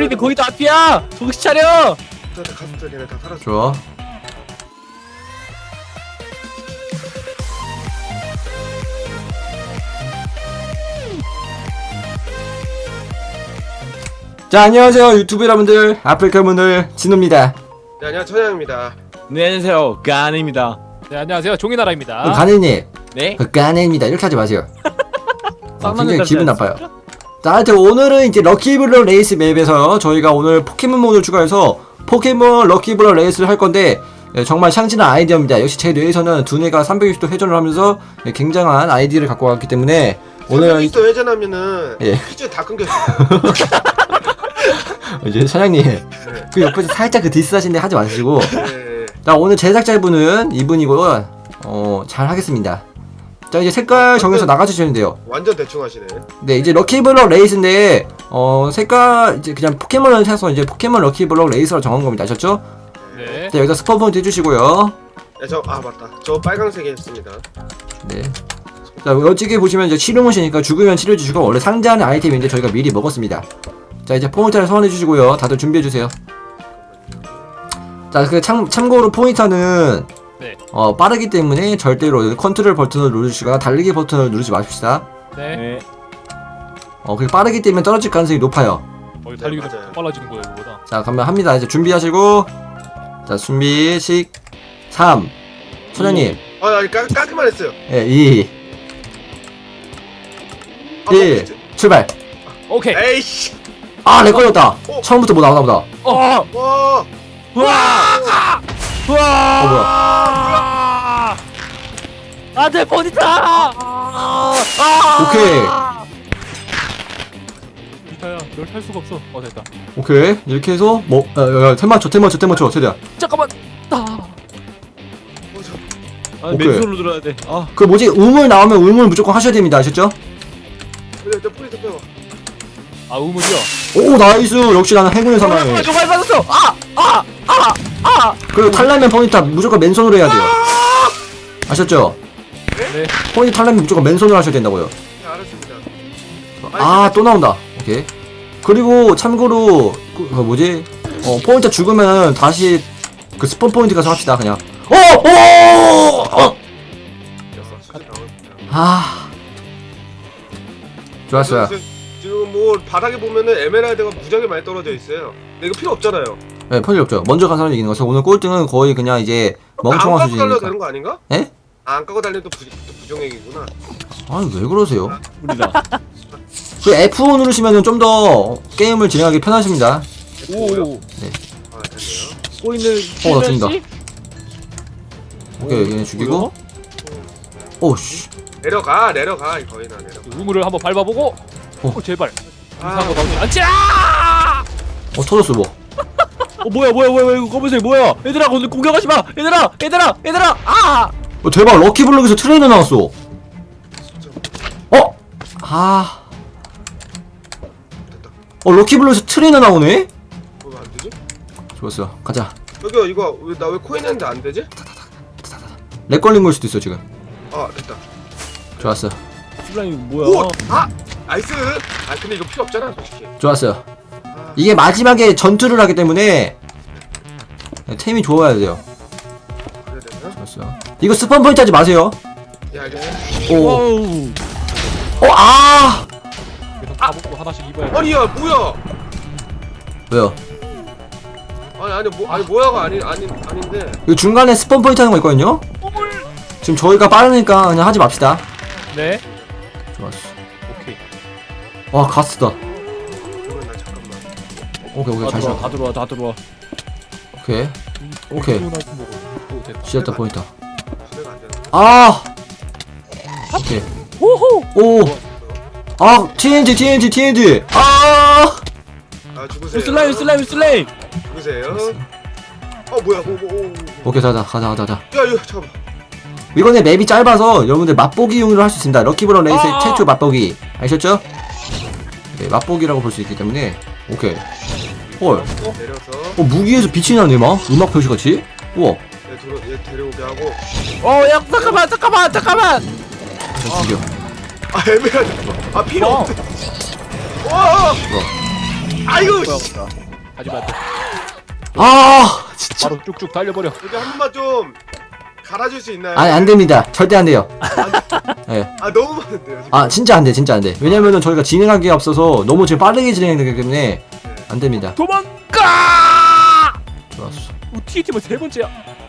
우리는 거기 다 앞이야. 정신 차려. 갔어. 걔네 다 살았어. 좋아. 자, 안녕하세요 유튜브 여러분들. 아프리카 문을 진우입니다. 네, 안녕 천양입니다. 네, 안녕하세요. 가은입니다. 네, 안녕하세요. 종이나라입니다. 가네님, 네. 가네입니다. 이렇게 하지 마세요. 쌍남자 굉장히 기분 딸 나빠요. 자, 하여튼 오늘은 이제 럭키블럭 레이스 맵에서 저희가 오늘 포켓몬 모드를 추가해서 포켓몬 럭키블럭 레이스를 할 건데, 정말 샹진한 아이디어입니다. 역시 제 뇌에서는 두뇌가 360도 회전을 하면서 굉장한 아이디어를 갖고 왔기 때문에 오늘 또 회전하면은 예. 퀴즈 다 끊겼어. 이제 사장님 그 옆에서 살짝 그 디스 하시는데 하지 마시고. 네. 자, 오늘 제작자분은 이분이고 잘 하겠습니다. 자, 이제 색깔 정해서 나가주시면 돼요. 완전 대충 하시네. 네, 이제 럭키블럭 레이스인데 색깔 이제 그냥 포켓몬을 사서 이제 포켓몬 럭키블럭 레이스로 정한 겁니다. 아셨죠? 네. 자, 여기다 스폰 포인트 해주시고요. 네, 맞다. 저 빨강색에 했습니다. 네. 자, 여기에 보시면 이제 치료모시니까 죽으면 치료해주시고, 원래 상자하는 아이템인데 저희가 미리 먹었습니다. 자, 이제 포인트를 소환해주시고요. 다들 준비해주세요. 자, 그 참고로 포인터는 네. 빠르기 때문에 절대로 컨트롤 버튼을 누르시거나 달리기 버튼을 누르지 마십시다. 네. 네. 그 빠르기 때문에 떨어질 가능성이 높아요. 달리기도 맞아요. 빨라지는 거예요, 이거보다. 자, 그러면 합니다. 이제 준비하시고, 자, 준비, 3. 소장님, 아니 깔끔만 했어요. 예, 2, 1, 출발! 오케이. 에이씨. 아, 렉 걸렸다! 처음부터 뭐 나오나 보다. 어. 와. 우와! 우와! 뭐야. 안돼 버디타. 오케이. 비타야, 널 탈 수가 없어. 됐다. 오케이. 이렇게 해서, 템 맞춰, 최대한. 잠깐만. 아, 오케이. 맨손으로 들어야 돼. 아. 그 뭐지, 우물 나오면 우물 무조건 하셔야 됩니다. 아셨죠? 그래, 저 포인트 빼봐. 아, 우물이요. 오, 나이스! 역시 나는 행운의 사나이. 정말 받았어. 그리고 탈라면 포인트 무조건 맨손으로 해야 돼요. 아셨죠? 네. 포인트 탈라면 무조건 맨손으로 하셔야 된다고요. 네, 알았습니다. 아, 또 나온다. 오케이. 그리고 참고로 그 뭐지? 포인트 죽으면 다시 그 스폰 포인트 가서 합시다. 그냥. 아, 좋았어요. 지금 뭐 바닥에 보면은 에메랄드가 무지하게 많이 떨어져 있어요. 근데 이거 필요 없잖아요. 네, 편이 없죠. 먼저 간 사람이 이기는 거죠. 오늘 꼴등은 거의 그냥 이제 멍청한 안 까고 달려도 수준이니까. 되는 거 아닌가? 에? 안 까고 달려도 부정행위구나. 아니, 왜 그러세요? 우리다. 그 F5 누르시면은 좀 더 게임을 진행하기 편하십니다. 오. 아, 됐네요. 꼬이는. 나 죽인다. 오케이, 얘네 죽이고. 오씨. 내려가 거의 다 내려가. 우물을 한번 밟아보고. 제발. 아, 이상한 거 나오지 않지? 터졌어 뭐. 뭐야 이거 검은색 뭐야? 얘들아 오늘 공격하지 마. 얘들아. 아. 대박, 럭키블럭에서 트레이너 나왔어. 럭키블럭에서 트레이너 나오네? 뭐가 안 되지? 좋았어. 가자. 여기 이거 나 왜 코인 했는데 안 되지? 렉 걸린 걸 수도 있어 지금. 아, 됐다. 좋았어. 슬라임 뭐야? 오! 나이스! 아, 근데 이거 필요 없잖아, 솔직히. 좋았어요. 아, 이게 마지막에 전투를 하기 때문에 템이 좋아야 돼요. 그래야 되나? 좋았어. 이거 스폰 포인트 하지 마세요. 예, 알겠어. 오. 와우. 그래서 다 먹고 하나씩 입어야 돼. 아니, 야, 뭐야! 왜요? 아니, 뭐야가 아닌데. 이거 중간에 스폰 포인트 하는 거 있거든요? 지금 저희가 빠르니까 그냥 하지 맙시다. 네. 좋았어. 오케이. 와, 가스다. 그러면 나 잠깐만. 오케이, 잘 쳐. 다 들어와. 오케이. 오케이. 됐다. 지었다 포인트. 수레가 안 되나? 아! 오케이. 오! 아! TNT! 아! 아, 죽으세요. 슬라임. 죽으세요. 뭐야, 오케이, 가자. 야, 이거, 잠깐만. 이번에 맵이 짧아서 여러분들 맛보기용으로 할 수 있습니다. 럭키블럭 레이스의 최초 맛보기. 아셨죠? 네, 맛보기라고 볼 수 있기 때문에. 오케이. 헐. 내려서, 무기에서 빛이 나네, 막. 음악 표시같이. 우와. 얘 데려오게 하고. 야 잠깐만. 죽여. 아, 에메랄드. 아, 필요 없대. 와! 아이고 뭐야, 씨. 뭐야. 하지만 안 돼. 아 진짜. 바로 쭉쭉 달려버려. 여기 한 번만 좀 갈아줄 수 있나요? 아니 안됩니다. 절대 안돼요. 예. 아 너무 많은데요 지금. 아 진짜 안돼 진짜 안돼. 왜냐면은 저희가 진행하기에 앞서서 너무 지금 빠르게 진행되기 때문에 안됩니다. 도망가! 좋았어. TT만 세 번째야.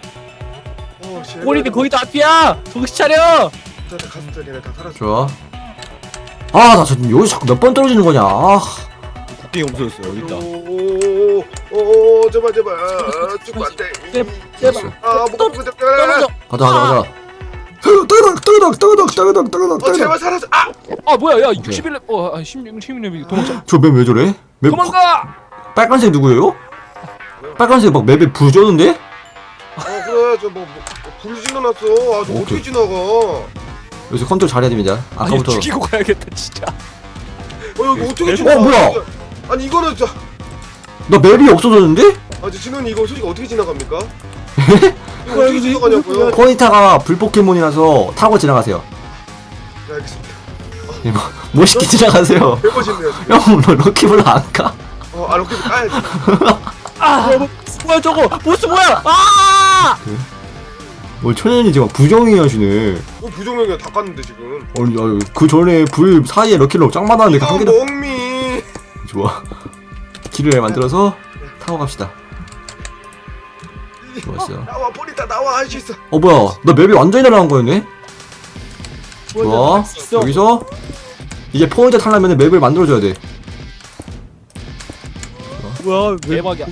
꼬리는 거의 다 앞이야. 정신 차려. 가슴들 얘네 다 살았어. 좋아. 아나 지금 여기 자꾸 몇 번 떨어지는 거냐. 아. 국경이 없어졌어요. 여기 있다. 오오오 제발 제발 죽으면 안돼. 됐어. 아 또 못 떨어져. 가자. 뜨거덕. 제발 살았어. 아 아 뭐야 야 61렙 16렙이 도망쳐. 저맵 왜 저래? 맵 도망가! 빨간색 누구예요? 빨간색 막 맵에 불 줬는데? 그래 저뭐 불이 지나놨어. 아저 어떻게 지나가? 여기서 컨트롤 잘해야 됩니다. 아니 아까부터. 죽이고 가야겠다 진짜. 여기 어떻게 지나가? 뭐야? 아니 이거는 저 나 맵이 없어졌는데? 진원이 이거 솔직히 어떻게 지나갑니까? 이거 어떻게 지나가냐고요? 포니타가 불 포켓몬이라서 타고 지나가세요. 네, 알겠습니다. 멋있게 지나가세요. 배고쉽네요 지금. 형, 너 럭키블로 안 가? 럭키 까야지. 뭐야 저거? 보스 뭐야? 아! 뭐 천연이 지금 부정이 하시네. 부정형이야 다 깠는데 지금. 아니, 그 전에 불 사이에 럭키블로 짱 많았는데 한 이거 개도. 멍미. 좋아. 길을 만들어서 타고 갑시다. 좋았어. 나와 버리다 나와 할 수 있어. 뭐야? 나 맵이 완전히 날아간 거였네? 좋아. 여기서 이제 포인트 타려면 맵을 만들어줘야 돼. 뭐야? 대박이야.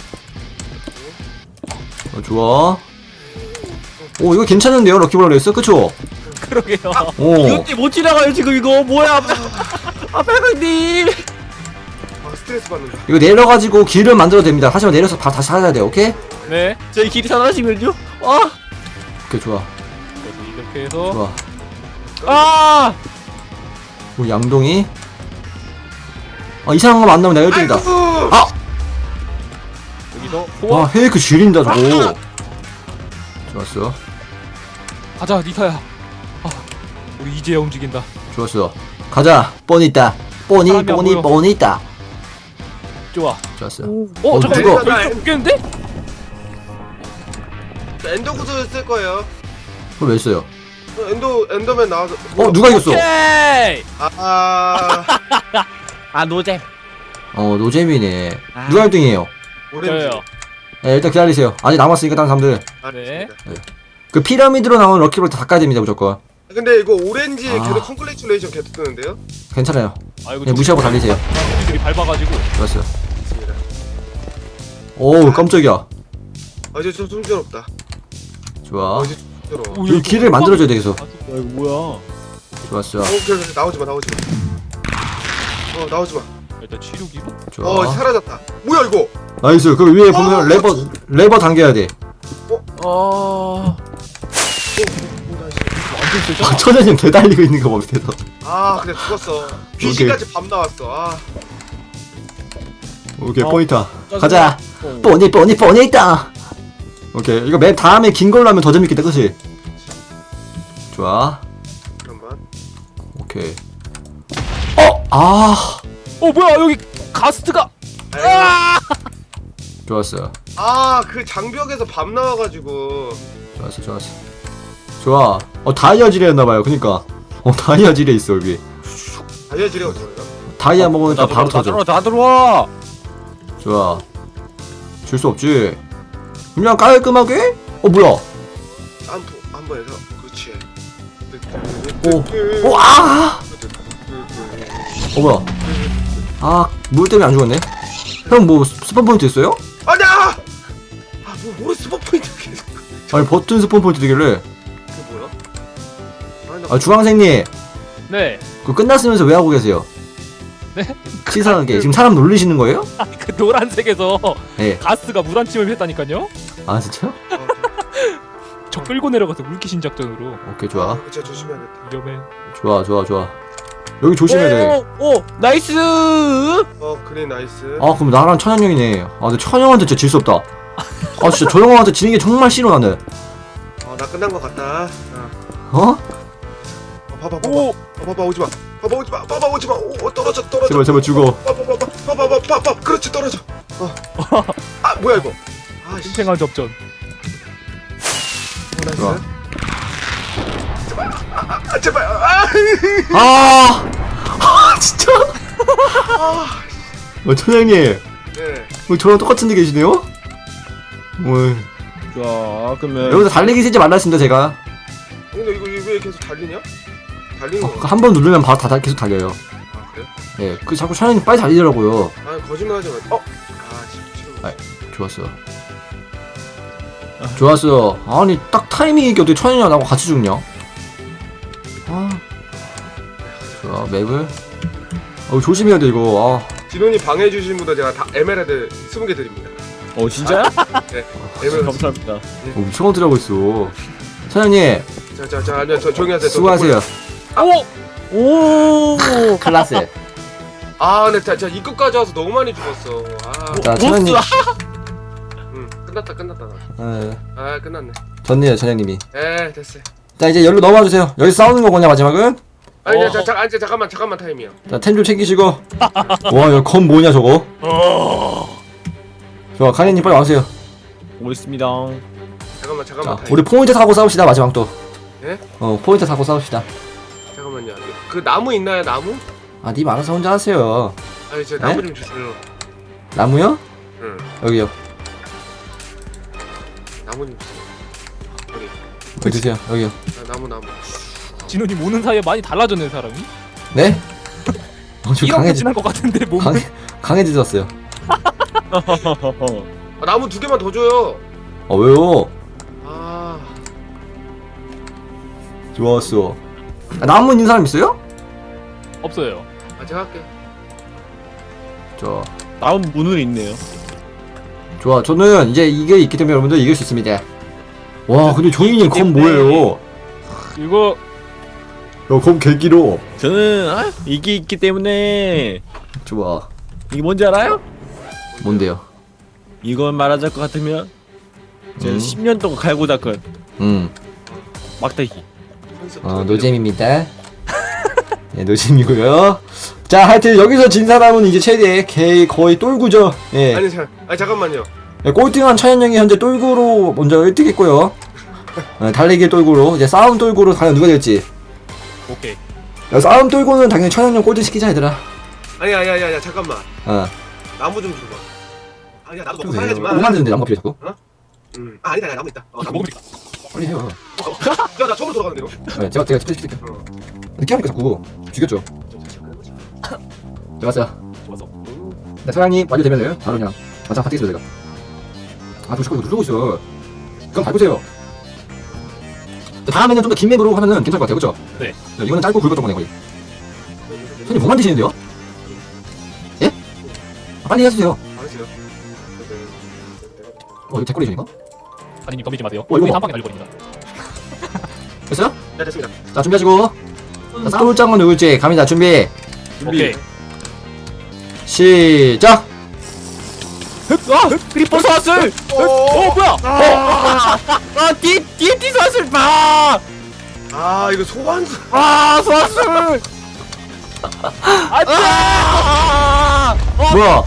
좋아. 오 이거 괜찮은데요 럭키블로 레이스 그쵸? 그러게요. 오. 이것도 못 지나가요 지금 이거 뭐야? 빨강님. 스트레스 받는다. 이거 내려가지고 길을 만들어도 됩니다. 하지만 내려서 다시 찾아야 돼. 오케이? 네. 저희 길이 사라지면요? 오케이 좋아. 그래서 이렇게 해서 좋아. 아! 오 양동이. 이상한 거 안 나오면 내가 1등이다. 아이고. 여기서 와 호화 헤이크 지린다 저거. 좋았어. 가자 니타야. 우리 이제 움직인다. 좋았어. 가자. 뻔히 있다. 뻔히 사람이 안 보여. 뻔히 있다. 좋아. 좋았어. 잠깐 누가? 여기 좀 웃겠는데? 엔더 구슬 쓸 거예요. 그걸 왜 써요? 엔더맨 나와서. 누가 이겼어? 오케이! 아 노잼. 노잼이네. 누가 1등이에요? 오렌지. 저요. 네, 일단 기다리세요. 아직 남았으니까 다른 사람들. 네. 그 피라미드로 나오는 럭키블로 다 닦아야 됩니다 무조건. 근데 이거 오렌지 아. 계속 컨글레이츄레이션 계속 뜨는데요? 괜찮아요. 아이고 그냥 무시하고 달리세요. 우리들이 밟아가지고. 좋았어요. 오 깜짝이야. 이제 좀 숨겨롭다. 좋아. 이제 숨겨로워. 오, 이 길을 만들어줘야 돼 계속. 이거 뭐야? 좋았어. 오케이 나오지 마. 나오지 마. 일단 치료기로. 좋아. 사라졌다. 뭐야 이거? 나이스. 그 위에 보면 레버 당겨야 돼. 완전 세잖아. 천연님 대달리고 있는 거 봐, 밑에서. 그냥 죽었어. 귀신까지 밤 나왔어. 오케이, 포인터. 짜증나. 가자. 뻔히 있다. 오케이, 이거 맵 다음에 긴 걸로 하면 더 재밌겠다, 그치? 좋아. 잠깐만. 오케이. 뭐야 여기 가스트가. 좋았어. 그 장벽에서 밤 나와가지고. 좋았어. 좋아. 다이아 질에 했나봐요, 그니까. 다이아 질에 있어, 여기. 다이아질이 어디서 요 다이아 먹으니까 바로 터져. 다 들어와. 좋아. 줄 수 없지. 그냥 깔끔하게? 뭐야? 점프 한번 해서 그렇지. 뭐야? 물 때문에 안 죽었네? 형 뭐 스폰 포인트 있어요? 아니야! 뭐 스포 포인트 계속. 아니 버튼 스폰 포인트 되길래. 그게 뭐야? 주황색님 네. 그거 끝났으면서 왜 하고 계세요? 네? 치사하게 지금 사람 놀리시는 거예요? 그 노란색에서 네. 가스가 물 한 침을 했다니까요. 아 진짜요? 저 끌고 내려가서 물귀신 작전으로. 오케이 좋아. 진짜 조심해야겠다. 위험해. 좋아. 여기 조심해야 돼. 오, 나이스. 그래 나이스. 그럼 나랑 천연형이네. 근데 천연형한테 진짜 질 수 없다. 진짜 저 형한테 지는 게 정말 싫어 나는. 나 끝난 것 같다. 어? 봐봐 오지 마. 봐봐 오지 마. 떨어져. 제발 죽어. 봐봐. 봐봐. 그렇지, 떨어져. 아, 뭐야 이거? 아, 씨. 생생한 접전. 좋아. 나이스. 제발. 진짜. 천양님, 네. 저랑 똑같은 데 계시네요? 자 그러면 여기서 달리기 쓰지 말랐습니다 제가. 근데 이거 왜 계속 달리냐? 달리는 거. 한 번 누르면 바로 계속 달려요. 아, 그래? 예, 그 자꾸 천양님 빨리 달리더라고요. 아, 거짓말하지 마. 싫어. 좋았어. 좋았어. 아니 딱 타이밍이 어떻게 천연이랑 나하고 같이 죽냐? 좋아 맵을. 조심해야 돼 이거. 진원이 방해해 주신 분들 제가 다 에메랄드 20개 드립니다. 진짜요? 네. 에메랄드. 감사합니다. 미친 것들 하고 있어. 천연님 자, 아니요, 조용히 하세요. 수고하세요. 오 클라스. 아, 근데 자 입구까지 와서 너무 많이 죽었어. 자 천연님. 끝났다. 아, 끝났네. 졌네요 천연님이. 됐어. 자 이제 열로 넘어와 주세요. 여기 싸우는 거구나 마지막은. 아니, 잠깐만 타임이요. 자 템 좀 챙기시고. 와 여기 검 뭐냐 저거. 좋아 카니님 빨리 와주세요. 오겠습니다. 잠깐만 자 타임. 우리 포인트 사고 싸웁시다 마지막 또. 예? 포인트 사고 싸웁시다. 잠깐만요. 그 나무 있나요, 나무? 님 알아서 혼자 하세요. 아니, 저 나무 좀 주세요. 나무요? 응. 여기요. 나무 좀 주세요. 여기 주세요. 여기요. 나무. 진원이 오는 사이에 많이 달라졌네 사람이. 네? 좀 1억 지난 것 같은데 몸. 강해지셨어요. 나무 2개만 더 줘요. 왜요? 아, 좋았어. 나무 있는 사람 있어요? 없어요. 제가 할게. 다음 문은 있네요. 좋아. 저는 이제 이게 있기 때문에 여러분들 이길 수 있습니다. 와, 근데 조이님 검 뭐예요? 이거 검 개기로. 저는 이게 있기 때문에 좋아. 이게 뭔지 알아요? 뭔데요? 이걸 말하자 것 같으면 제가 10년 동안 갈고 닦은 막대기. 노잼입니다. 네, 노잼이고요. 자, 하여튼 여기서 진 사람은 이제 최대 거의 똘구죠. 예. 아니, 잠깐만요. 꼴등한 차현영이 현재 똘구로 먼저 1등 했고요. 달리기 똘구로 이제 싸움 똘구로 과연 누가 될지. 오케이. 싸움 똘구는 당연히 차현영 꼴등 시키자 얘들아. 아니야, 잠깐만. 나무 좀 줘봐. 아니야, 나도 먹고 살아야지 마. 뭐 만드는데 나무 필요 자꾸? 아니다, 나무 있다. 나무 먹으면 빨리 해요. 나 처음으로 돌아가는데요? 네, 제가 시킬게요. 늦게 하니까 자꾸 죽였죠. 좋았어요. 좋았어. 네, 사장님 완료되면은 바로 그냥 마장 파티겠습니다 제가. 저 자꾸 이거 누르고 있어. 그럼 밟으세요. 다음에는 좀 더 긴 맵으로 하면은 괜찮을 것 같아요, 그렇죠? 네. 이거는 짧고 굵었던 거네 거의. 손님 뭐 만드시는데요? 예? 빨리 해주세요. 알았어요. 이거 제 꼴이십니까? 아니님 덤비지 마세요. 이거 우리 봐. 한 방에 날려버립니다. 됐어요? 네, 됐습니다. 자 준비하시고. 자, 싸울 장은 누굴지 갑니다. 준비. 오케이. 시작. 크리퍼 소환술! 뭐야? 뒤에 소환술! 이거 소환수. 소환술! 뭐야?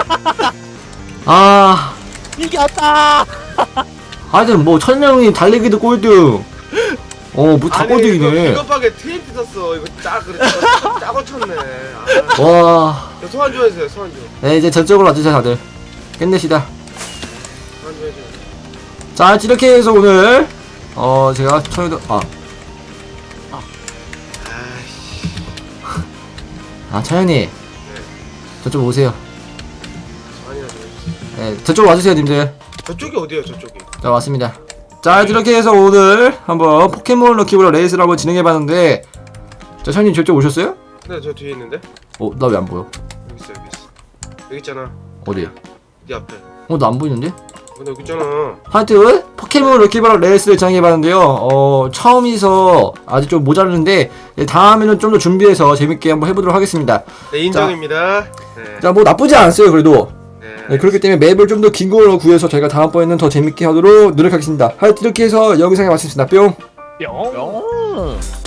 이겼다! 하여튼 뭐 천명이 달리기도 꼴등. 뭐 다 꼴등이네. 비겁하게 TNT 썼어. 이거 짜고 쳤네. 와. 소환 좀 해주세요. 소환 좀. 네 이제 저쪽으로 와주세요 다들. 끝내시다. 소환 좀 해주세요. 자 이렇게 해서 오늘 제가 천여도 차현이 저쪽 오세요. 소환이나 좀 해주세요. 네 저쪽 와주세요 님들. 저쪽이 어디예요? 저쪽이. 자 왔습니다. 자 이렇게 해서 오늘 한번 포켓몬 럭키블럭 레이스를 한번 진행해봤는데 자 차현님 저쪽 오셨어요? 네, 저 뒤에 있는데. 나 왜 안 보여? 여기 있어. 여기 있잖아. 어디? 네 앞에. 나 안 보이는데? 근데 여기 있잖아. 하여튼 포켓몬 럭키블럭 레이스를 진행해봤는데요. 처음이서 아직 좀 모자르는데 다음에는 좀 더 준비해서 재밌게 한번 해보도록 하겠습니다. 네, 인정입니다. 네. 자 뭐 나쁘지 않았어요 그래도. 네. 네, 그렇기 때문에 맵을 좀 더 긴 걸로 구해서 저희가 다음번에는 더 재밌게 하도록 노력하겠습니다. 하여튼 이렇게 해서 영상에 마치겠습니다. 뿅. 뿅.